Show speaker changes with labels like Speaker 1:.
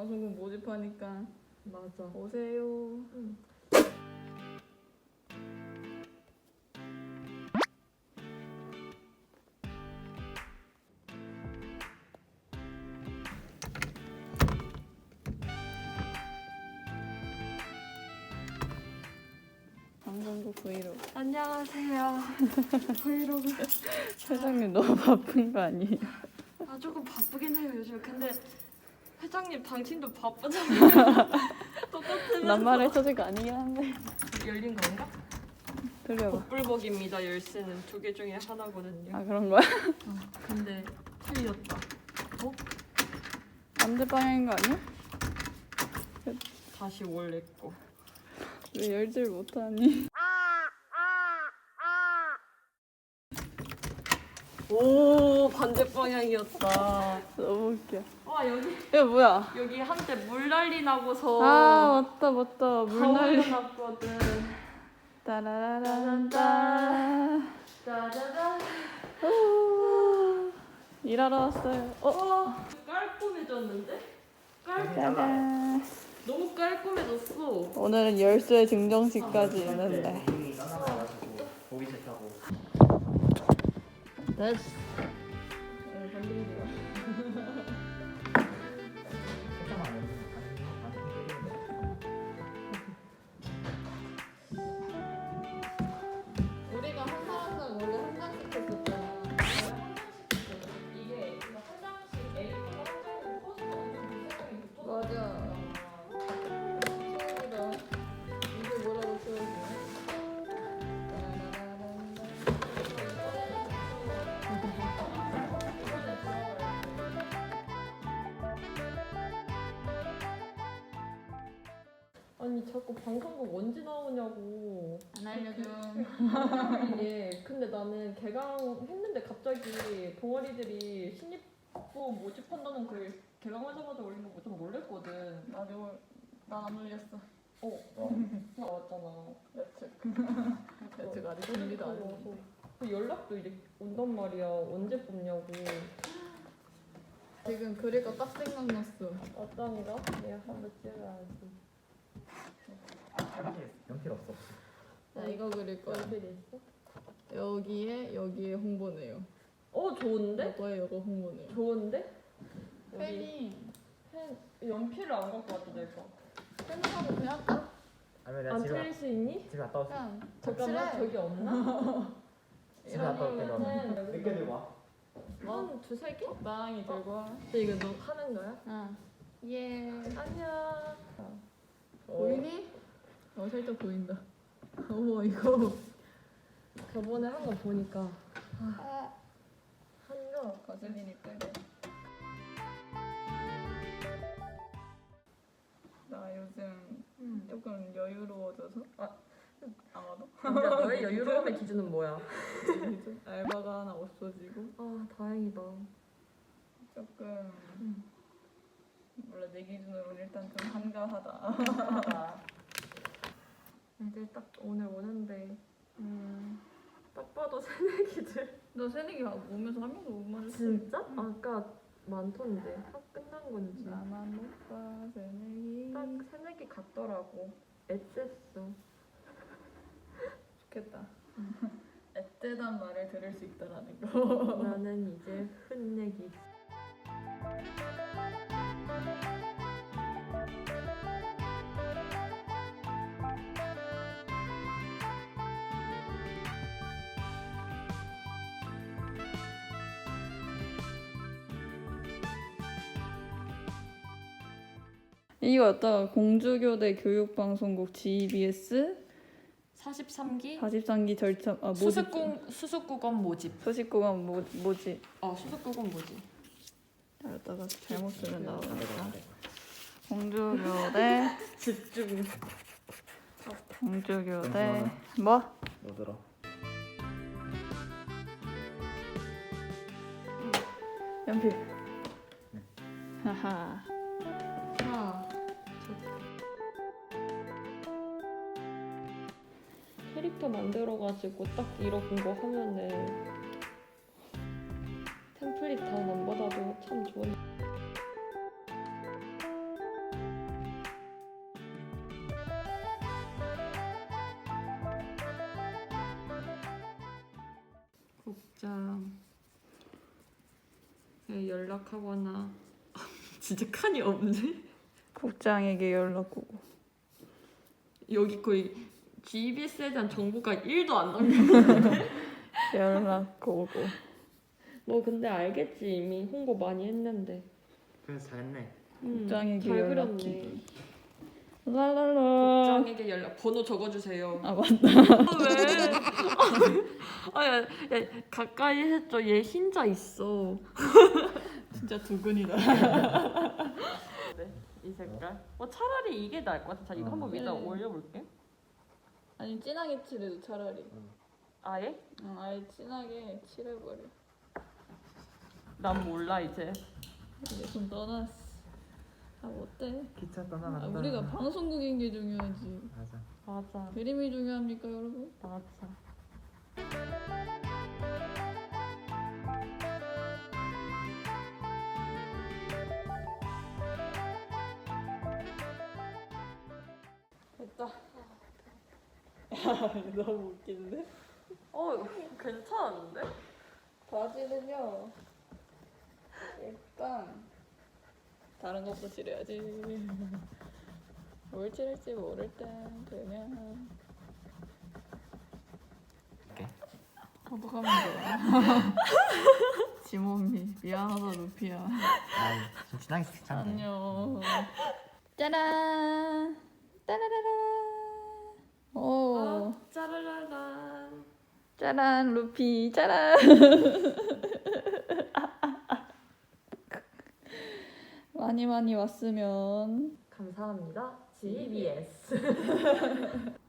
Speaker 1: 방송국 모집하니까
Speaker 2: 맞아.
Speaker 1: 오세요.
Speaker 2: 응.
Speaker 1: 방송국 브이로그.
Speaker 2: 안녕하세요. 브이로그.
Speaker 1: 회장님 너무 바쁜 거 아니에요?
Speaker 2: 아 조금 바쁘긴 해요 요즘. 근데 회장님 당신도 바쁘잖아요. 똑같으면서.
Speaker 1: 낱말의 소재가 아니긴 한데.
Speaker 2: 열린 건가?
Speaker 1: 들려봐.
Speaker 2: 복불복입니다. 열쇠는 2개 중에 하나거든요.
Speaker 1: 아 그런 거야?
Speaker 2: 근데 틀렸다. 어?
Speaker 1: 반대 방향인 거 아니야?
Speaker 2: 다시 원래 거.
Speaker 1: 왜 열질 못하니?
Speaker 2: 오 반대 방향이었다.
Speaker 1: 너무 웃겨.
Speaker 2: 와 여기
Speaker 1: 이거 뭐야?
Speaker 2: 여기 한때 물난리 나고서
Speaker 1: 아 맞다 맞다.
Speaker 2: 다
Speaker 1: 물난리.
Speaker 2: 올려놨거든.
Speaker 1: 따라라란따.
Speaker 2: 짜자잔.
Speaker 1: 일하러 왔어요.
Speaker 2: 깔끔해졌는데?
Speaker 1: 짜잔.
Speaker 2: 너무 깔끔해졌어.
Speaker 1: 오늘은 열쇠 증정식까지 있는데.
Speaker 3: 보기 싫다고.
Speaker 1: 됐어. 우리가 한 사람당 원래 한 장씩 했었잖아.
Speaker 2: 이게 한 장씩 A보다 한 장으로 커지면 엄청 비싸게 붙어.
Speaker 1: 맞아. 친구다. 이게 뭐라고 써있네.
Speaker 2: 아니 자꾸 방송국 언제 나오냐고.
Speaker 1: 안 알려줘.
Speaker 2: 이게 근데 나는 개강했는데 갑자기 동아리들이 신입부 모집한다는 글 개강하자마자 올린 거 좀 놀랬거든.
Speaker 1: 나도 난안 올렸어.
Speaker 2: 나왔잖아.
Speaker 1: 대책 아직 준비도 안 했는데.
Speaker 2: 그 연락도 이제 온단 말이야. 언제 뽑냐고.
Speaker 1: 지금 그릴 거 딱 생각났어.
Speaker 2: 어떤 거? 내가 한번 찍어야지.
Speaker 3: 연필 없어.
Speaker 1: 나 이거 그릴 거야.
Speaker 2: 연필 있어?
Speaker 1: 여기에 홍보네요.
Speaker 2: 좋은데?
Speaker 1: 너의 이거 홍보네요.
Speaker 2: 좋은데? 여기
Speaker 1: 펜이
Speaker 2: 펜 연필을 안 갖고 왔다 내가.
Speaker 1: 펜하고 그냥 할까?
Speaker 3: 아니면 내가
Speaker 2: 안
Speaker 3: 집에
Speaker 2: 틀릴 수 있니?
Speaker 3: 갔다 올게.
Speaker 1: 그냥
Speaker 2: 잠깐만
Speaker 1: 칠해.
Speaker 2: 저기 없나?
Speaker 3: 집에 갔다 올게 그러면.
Speaker 2: 이러면은
Speaker 3: 늦게 들고 와.
Speaker 2: 한 두세 개?
Speaker 1: 적당히 들고 와.
Speaker 2: 근데 이거 너 하는 거야?
Speaker 1: 응. 예.
Speaker 2: 안녕.
Speaker 1: 보이니? 살짝 보인다. 어머 이거.
Speaker 2: 저번에 한 거 보니까
Speaker 1: 한거 거슬리니 빼고. 나 요즘 조금 여유로워져서. 아마도.
Speaker 2: 근데 너의 여유로움의 기준은 뭐야?
Speaker 1: 알바가 하나 없어지고
Speaker 2: 아 다행이다.
Speaker 1: 조금 몰라 내 기준으로는 일단 좀 한가하다.
Speaker 2: 애들 딱 오늘 오는데 딱 봐도 새내기들.
Speaker 1: 너 새내기 오면서 한 명도 못 맞았어.
Speaker 2: 진짜? 아까 많던데. 학 끝난 건지.
Speaker 1: 나만 못 봐 새내기.
Speaker 2: 딱 새내기 같더라고. 애셌어.
Speaker 1: 좋겠다. 앳되단 말을 들을 수 있다라는 거.
Speaker 2: 나는 이제 흔내기.
Speaker 1: 이거 어떤 공주교대 교육방송국 GBS
Speaker 2: 43기
Speaker 1: 43기 절차 모집
Speaker 2: 수습국원 모집.
Speaker 1: 소식국은 뭐지?
Speaker 2: 수습국원 모집.
Speaker 1: 이러다가 잘못 쓰면 나오니까 공주교대
Speaker 2: 집중.
Speaker 1: 공주교대 뭐?
Speaker 3: 뭐 들어?
Speaker 1: 연필. 하하.
Speaker 2: 캐릭터 만들어가지고 딱 이런 거 하면은 템플릿 다 남받아도 참 좋은. 국장 연락하거나 진짜 칸이 없네.
Speaker 1: 국장에게 연락 오고.
Speaker 2: 여기 거의 GBS에 대한 정보가 1도 안 남겨있는데.
Speaker 1: 연락 오고.
Speaker 2: 너 근데 알겠지, 이미 홍보 많이 했는데.
Speaker 3: 그래서 잘했네.
Speaker 1: 국장에게
Speaker 2: 잘
Speaker 1: 연락기.
Speaker 2: 그렸네.
Speaker 1: 랄랄라.
Speaker 2: 국장에게 연락 번호 적어주세요.
Speaker 1: 아 맞다.
Speaker 2: 왜? 야, 가까이 했죠. 얘 흰자 있어.
Speaker 1: 진짜 두근이다.
Speaker 2: 네, 이 색깔. 차라리 이게 나을 것 같아. 자, 이거 한번 위에다
Speaker 1: 네.
Speaker 2: 올려볼게.
Speaker 1: 아니 진하게 칠해도 차라리.
Speaker 2: 아예?
Speaker 1: 아예 진하게 칠해버려.
Speaker 2: 난 몰라 이제.
Speaker 1: 이제 좀 떠났어. 아 어때?
Speaker 3: 기차
Speaker 1: 아,
Speaker 3: 떠나간다.
Speaker 1: 우리가 방송국인 게 중요하지.
Speaker 3: 맞아.
Speaker 2: 맞아.
Speaker 1: 그림이 중요합니까 여러분?
Speaker 2: 맞아.
Speaker 1: 됐다. 야 너무 웃긴데?
Speaker 2: 괜찮은데?
Speaker 1: 바지는요. 일단 다른 것도 칠해야지. 뭘 칠할지 모를 땐 그냥
Speaker 3: 오케이.
Speaker 1: 어떡하면 좋아. 지몸이 미안하다 루피야.
Speaker 3: 아이 좀 진하게 괜찮네.
Speaker 1: 안녕. 짜란. 따라라라. 오.
Speaker 2: 짜라라란.
Speaker 1: 짜란 루피 짜란. 많이 왔으면
Speaker 2: 감사합니다. GBS.